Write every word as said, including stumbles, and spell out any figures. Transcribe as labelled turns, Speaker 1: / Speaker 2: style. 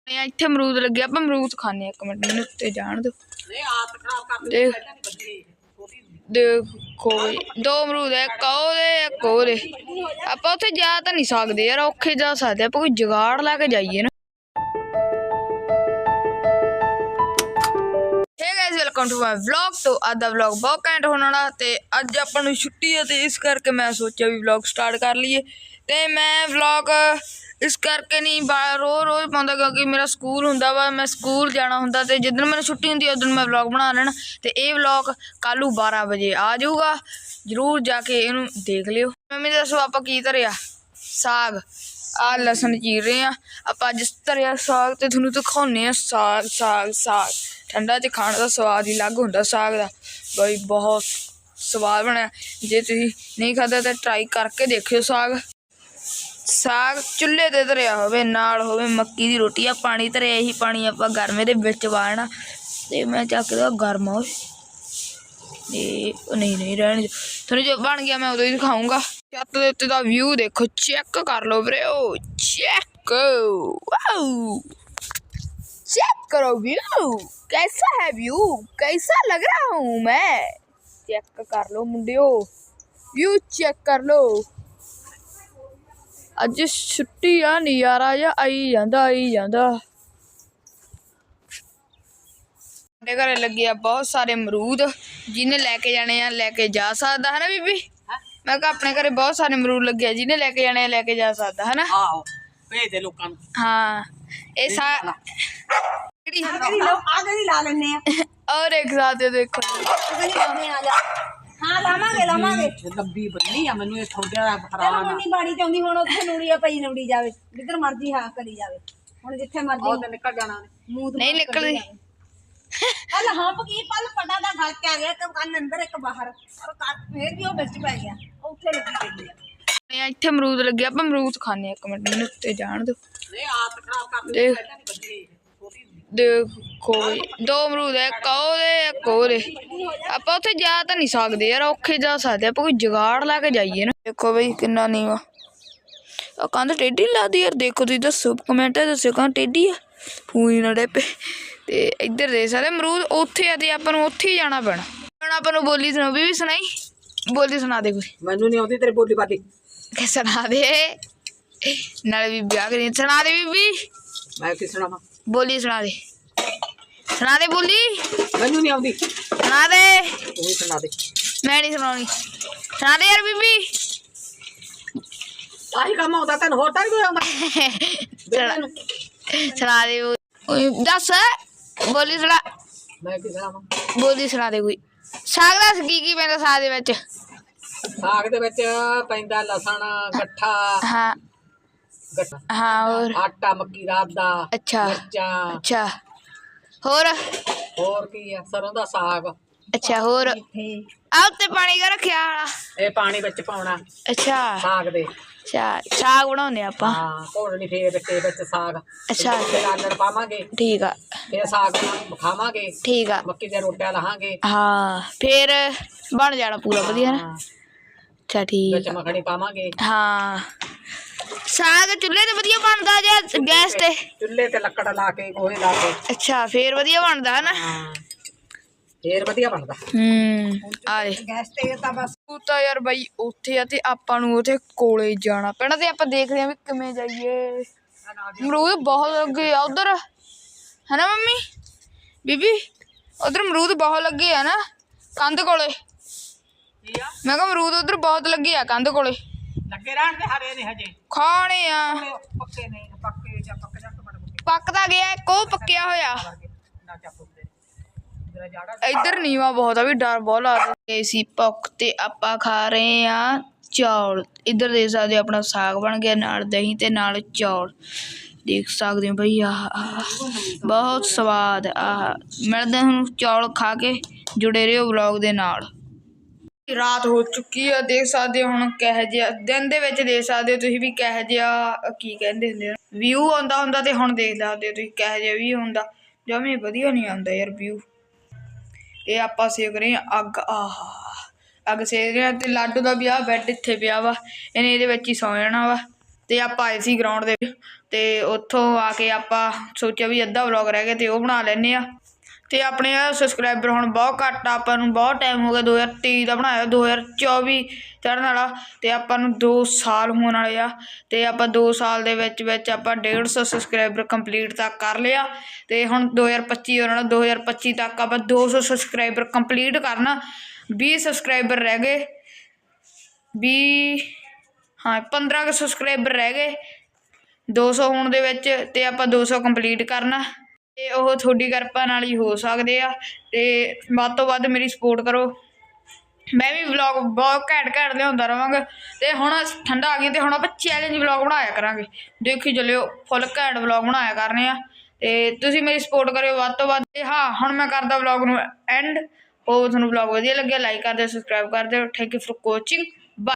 Speaker 1: ਇੱਥੇ ਅਮਰੂਦ ਲੱਗੇ ਆਪਾਂ ਅਮਰੂਦ ਖਾਣੇ ਇੱਕ ਮਿੰਟ ਮੈਨੂੰ ਉੱਤੇ ਜਾਣ ਦਿਓ। ਦੇਖੋ ਦੋ ਅਮਰੂਦ ਹੈ ਇੱਕ ਉਹਦੇ ਇੱਕ ਉਹਦੇ ਆਪਾਂ ਉੱਥੇ ਜਾ ਤਾਂ ਨਹੀਂ ਸਕਦੇ ਯਾਰ ਔਖੇ ਜਾ ਸਕਦੇ ਆਪਾਂ ਕੋਈ ਜੁਗਾੜ ਲਾ ਕੇ ਜਾਈਏ ਨਾ। Hey guys welcome to my vlog. तो ਅੱਜ ਦਾ ਵਲੌਗ ਬਹੁਤ ਘੈਂਟ ਹੋਣ ਵਾਲਾ ਤੇ ਅੱਜ ਆਪਾਂ ਨੂੰ ਛੁੱਟੀ ਹੈ ਤੇ ਇਸ ਕਰਕੇ ਮੈਂ ਸੋਚਿਆ ਵੀ ਵਲੌਗ ਸਟਾਰਟ ਕਰ ਲਈਏ ਤੇ ਮੈਂ ਵਲੌਗ इस करके नहीं रोज़ रोज़ पाँदा क्योंकि मेरा स्कूल हुंदा वा मैं स्कूल जाना हुंदा ते जिस दिन मैंने छुट्टी हुंदी उस दिन मैं व्लॉग बना लेना ते ये व्लॉग कल बारह बजे आ जाऊगा जरूर जाके इनू देख लियो। मम्मी दसो आप की धरिया साग आ लसन चीर रहे हैं आप अज धरिया साग तो थोनू दिखाने साग साग साग ठंडा च खाने का स्वाद ही अलग हुंदा साग दा बई बहुत स्वाद बनया। जे तुसीं नहीं खादा तो ट्राई करके देखियो साग साग चुल्हे ते धरिया होवे नाल होवे मक्की दी रोटी आ पानी धरिया ही पानी आपां गर्मे दे विच पाना ते मैं चकदा गर्म हो नहीं नहीं रहने थोड़ी जो बन गया मैं उदों ही दिखाऊंगा। छत दे उत्ते दा व्यू देखो चेक कर लो वीरे ओ चेक वाओ चेक करो व्यू कैसा है व्यू कैसा लग रहा हूँ मैं चेक कर लो मुंडियो व्यू चेक कर लो। अज छुट्टी आ नज़ारा जा आई जांदा आई जांदा। साडे घरे लगे आ बहुत सारे अमरूद जिन्हें लैके जाने आ लैके जा सकदा है ना बीबी मैं कहा अपने घरे बहुत सारे अमरूद लगे आ जिन्हें लैके जाने लैके जा सकदा है ना।
Speaker 2: आहो भेज दे लोकां नूं।
Speaker 1: हाँ ए सा
Speaker 2: ला लेने
Speaker 1: और एक साथ देखो
Speaker 3: हाँ लावांगे लावांगे
Speaker 2: लंबी बन्नी आ मैनू ये थोड़ा
Speaker 3: चलो मुन्नी बाड़ी चाहुंदी हुण उत्थे नूड़ीआ पई नूड़ी जावे जिधर मर्जी हाँ करी जावे हुण जिथे मर्जी
Speaker 2: और निकल जाना ने
Speaker 3: मूंह
Speaker 1: नहीं निकलदी
Speaker 3: पल हंप की पल पटा दा घर के आ गया एक कान अंदर एक बाहर और फिर भी वो बिच पै गया उत्थे लगी गई है।
Speaker 1: इत्थे अमरूद लगे आप अमरूद खाने एक मिनट मैनू उत्ते जाण दिओ।
Speaker 2: नहीं आत खराब कर दे पहले नहीं बदली
Speaker 1: देखो दो अमरूद है एक ओहदे एक ओहदे आपां उत्थे जा तां नहीं सकदे यार औखे जा सकदे आपां कोई जुगाड़ ला के जाइए ना। देखो बई किन्ना नीवा आ कंध टेढ़ी लगदी यार देखो तुसीं दस्सो कमेंट दस्सो कंध टेढ़ी आ फूई ना डे पे ते इधर दे सारे अमरूद उत्थे आ ते आपां नूं उत्थे ही जाना पैना। हुण आपां नूं बोली सुणो बीबी सुणाई बोली सुणा दे कोई
Speaker 2: मैनू नहीं आउंदी तेरी बोली बाली
Speaker 1: के सुणा दे नाले बीबी आ गई सुणा दे बीबी
Speaker 2: मैं की सुणावां
Speaker 1: बोली सुना दे सुना दे बोली
Speaker 2: मैनू नहीं आउंदी
Speaker 1: सुना दे
Speaker 2: तू ही सुना दे
Speaker 1: मैं नहीं सुनाऊंगी सुना दे यार बीबी
Speaker 2: आही काम होता तैनूं होर तां कोई आउंदा
Speaker 1: सुना सुना दे ओए दस बोली सुना
Speaker 2: मैं की सुणावां
Speaker 1: बोली सुना दे कोई साग दस की की पैंदा साग दे विच
Speaker 2: साग दे विच पैंदा लसण गट्ठा
Speaker 1: हाँ
Speaker 2: गट्ठा
Speaker 1: हाँ और
Speaker 2: आटा मक्की रात दा
Speaker 1: अच्छा
Speaker 2: मिर्चां
Speaker 1: अच्छा होर
Speaker 2: होर की है सरों दा साग
Speaker 1: अच्छा होर आ उत्ते पानी का रखिया वाला
Speaker 2: ਇਹ ਪਾਣੀ ਵਿੱਚ ਪਾਉਣਾ
Speaker 1: अच्छा
Speaker 2: ਸਾਗ ਦੇ
Speaker 1: अच्छा साग बनाउने आपां
Speaker 2: ਹਾਂ ਘੋੜਨੀ ਫੇਰ ਤੇ ਵਿੱਚ ਸਾਗ
Speaker 1: अच्छा
Speaker 2: ਫਿਰ ਆਲਣ ਪਾਵਾਂਗੇ
Speaker 1: ठीक आ
Speaker 2: ਫਿਰ ਸਾਗ ਨਾਲ ਖਾਵਾਂਗੇ
Speaker 1: ठीक आ
Speaker 2: ਮੱਕੀ ਦੀਆਂ ਰੋਟੀਆਂ ਲਾਹਾਂਗੇ
Speaker 1: हाँ फिर बन जाना पूरा वधिया ना अच्छा ठीक
Speaker 2: ਵਿੱਚ ਮੱਖਣੀ ਪਾਵਾਂਗੇ
Speaker 1: हाँ साग चुल्हे ते वधिया बनदा या गैस ते
Speaker 2: ਚੁੱਲ੍ਹੇ ਤੇ ਲੱਕੜ ਲਾ ਕੇ ਗੋਹੇ ਲਾ ਕੇ
Speaker 1: अच्छा फिर वधिया बनदा है ना
Speaker 2: ਹਾਂ ਫੇਰ ਵਧੀਆ ਬਣਦਾ
Speaker 1: हम्म आ दे
Speaker 3: गैस ते ਤਾਂ ਬਸ
Speaker 1: ਤੂੰ ਤਾਂ ਯਾਰ ਬਾਈ ਉੱਥੇ ਆ ਤੇ ਆਪਾਂ ਨੂੰ ਉੱਥੇ ਕੋਲੇ ਜਾਣਾ ਪੈਣਾ ਤੇ ਆਪਾਂ ਦੇਖਦੇ ਆਂ ਵੀ ਕਿਵੇਂ ਜਾਈਏ। ਅਮਰੂਦ ਬਹੁਤ ਲੱਗੇ ਆ ਉਧਰ ਹੈ ਨਾ ਮੰਮੀ ਬੀਬੀ ਉਧਰ ਅਮਰੂਦ ਬਹੁਤ ਲੱਗੇ ਆ ਨਾ ਕੰਧ ਕੋਲੇ ਮੈਂ ਕਿਹਾ ਅਮਰੂਦ ਉਧਰ ਬਹੁਤ ਲੱਗੇ ਆ ਕੰਧ ਕੋਲੇ
Speaker 2: ਲੱਗੇ ਰਹਿਣ ਦੇ ਹਰੇ ਨੇ ਹਜੇ
Speaker 1: ਖਾਣੇ ਆ
Speaker 2: ਪੱਕੇ ਨਹੀਂ ਪੱਕੇ ਜਾਂ ਪੱਕ ਜਾ ਟਮਾਟਰ
Speaker 1: ਪੱਕਦਾ ਗਿਆ ਇੱਕ ਉਹ ਪੱਕਿਆ ਹੋਇਆ
Speaker 2: ਨਾ ਚਾਪੂ ਦੇ ਜਰਾ ਜਾੜਾ
Speaker 1: ਇੱਧਰ ਨੀਵਾ ਬਹੁਤ ਆ ਵੀ ਡਰ ਬਹੁਤ ਲੱਗਦਾ ਸੀ ਭੁੱਖ ਤੇ ਆਪਾਂ ਖਾ ਰਹੇ ਆ ਚੌਲ। ਇੱਧਰ ਦੇਖ ਸਕਦੇ ਆਪਣਾ ਸਾਗ ਬਣ ਗਿਆ ਨਾਲ ਦਹੀਂ ਤੇ ਨਾਲ ਚੌਲ ਦੇਖ ਸਕਦੇ ਹੋ ਬਈ ਆਹ ਬਹੁਤ ਸਵਾਦ ਆਹ ਮਿਲਦੇ ਹੁਣ ਚੌਲ ਖਾ ਕੇ ਜੁੜੇ ਰਹੋ ਵਲੌਗ ਦੇ ਨਾਲ। ਰਾਤ ਹੋ ਚੁੱਕੀ ਆ ਦੇਖ ਸਕਦੇ ਹੋ ਹੁਣ ਕਿਹੋ ਜਿਹਾ ਦਿਨ ਦੇ ਵਿੱਚ ਦੇਖ ਸਕਦੇ ਹੋ ਤੁਸੀਂ ਵੀ ਕਿਹੋ ਜਿਹਾ ਕੀ ਕਹਿੰਦੇ ਹੁੰਦੇ ਆ ਵਿਊ ਆਉਂਦਾ ਹੁੰਦਾ ਤੇ ਹੁਣ ਦੇਖ ਸਕਦੇ ਹੋ ਤੁਸੀਂ ਕਿਹੋ ਜਿਹਾ ਵੀ ਹੁੰਦਾ ਜਮੇ ਵਧੀਆ ਨਹੀਂ ਆਉਂਦਾ ਯਾਰ ਵਿਊ। ਇਹ ਆਪਾਂ ਸੇਕ ਰਹੇ ਹਾਂ ਅੱਗ ਆਹ ਅੱਗ ਸੇਕ ਰਹੇ ਹਾਂ ਤੇ ਲਾਡੂ ਦਾ ਵੀ ਆਹ ਬੈੱਡ ਇੱਥੇ ਪਿਆ ਵਾ ਇਹਨੇ ਇਹਦੇ ਵਿੱਚ ਹੀ ਸੌ ਜਾਣਾ ਵਾ ਤੇ ਆਪਾਂ ਆਏ ਸੀ ਗਰਾਊਂਡ ਦੇ ਵਿੱਚ ਤੇ ਉੱਥੋਂ ਆ ਕੇ ਆਪਾਂ ਸੋਚਿਆ ਵੀ ਅੱਧਾ ਵਲੌਗ ਰਹਿ ਗਿਆ ਤੇ ਉਹ ਬਣਾ ਲੈਂਦੇ ਆ। ਤੇ ਆਪਣੇ ਸਬਸਕ੍ਰਾਈਬਰ ਹੁਣ ਬਹੁਤ ਘੱਟ ਆ, ਆਪਾਂ ਨੂੰ ਬਹੁਤ ਟਾਈਮ ਹੋ ਗਿਆ ਦੋ ਹਜ਼ਾਰ ਤੇਈ ਦਾ ਬਣਾਇਆ, ਦੋ ਹਜ਼ਾਰ ਚੌਵੀ ਚੜ੍ਹਨ ਵਾਲਾ ਤੇ ਆਪਾਂ ਨੂੰ ਦੋ ਸਾਲ ਹੋਣ ਵਾਲੇ ਆ। ਤੇ ਆਪਾਂ ਦੋ ਸਾਲ ਦੇ ਵਿੱਚ ਵਿੱਚ ਆਪਾਂ ਡੇਢ ਸੌ ਸਬਸਕ੍ਰਾਈਬਰ ਕੰਪਲੀਟ ਤੱਕ ਕਰ ਲਿਆ ਤੇ ਹੁਣ ਦੋ ਹਜ਼ਾਰ ਪੱਚੀ ਆਉਣ ਵਾਲਾ, ਦੋ ਹਜ਼ਾਰ ਪੱਚੀ ਤੱਕ ਆਪਾਂ ਦੋ ਸੌ ਸਬਸਕ੍ਰਾਈਬਰ ਕੰਪਲੀਟ ਕਰਨਾ। ਵੀਹ ਸਬਸਕ੍ਰਾਈਬਰ ਰਹਿ ਗਏ, ਵੀਹ ਹਾਂ ਪੰਦਰਾਂ ਕੁ ਸਬਸਕ੍ਰਾਈਬਰ ਰਹਿ ਗਏ ਦੋ ਸੌ ਹੋਣ ਦੇ ਵਿੱਚ ਤੇ ਆਪਾਂ ਦੋ ਸੌ ਕੰਪਲੀਟ ਕਰਨਾ ਤੇ ਉਹ ਤੁਹਾਡੀ ਕਿਰਪਾ ਨਾਲ ਹੀ ਹੋ ਸਕਦੇ ਆ। ਤੇ ਵੱਧ ਤੋਂ ਵੱਧ ਮੇਰੀ ਸਪੋਰਟ ਕਰੋ, ਮੈਂ ਵੀ ਵਲੌਗ ਬਹੁਤ ਘੈਂਟ ਘੈਂਟ ਲਿਆਉਂਦਾ ਰਹਾਂਗਾ। ਤੇ ਹੁਣ ਠੰਡਾ ਆ ਗਈ ਤੇ ਹੁਣ ਆਪਾਂ ਚੈਲੰਜ ਵਲੌਗ ਬਣਾਇਆ ਕਰਾਂਗੇ, ਦੇਖੀ ਚੱਲਿਓ ਫੁੱਲ ਘੈਂਟ ਵਲੌਗ ਬਣਾਇਆ ਕਰਨੇ ਆ ਤੇ ਤੁਸੀਂ ਮੇਰੀ ਸਪੋਰਟ ਕਰਿਓ ਵੱਧ ਤੋਂ ਵੱਧ। ਤੇ ਹਾਂ ਹੁਣ ਮੈਂ ਕਰਦਾ ਵਲੌਗ ਨੂੰ ਐਂਡ। ਉਹ ਤੁਹਾਨੂੰ ਵਲੌਗ ਵਧੀਆ ਲੱਗਿਆ ਲਾਈਕ ਕਰ ਦਿਓ, ਸਬਸਕ੍ਰਾਈਬ ਕਰ ਦਿਓ। Thank you for watching.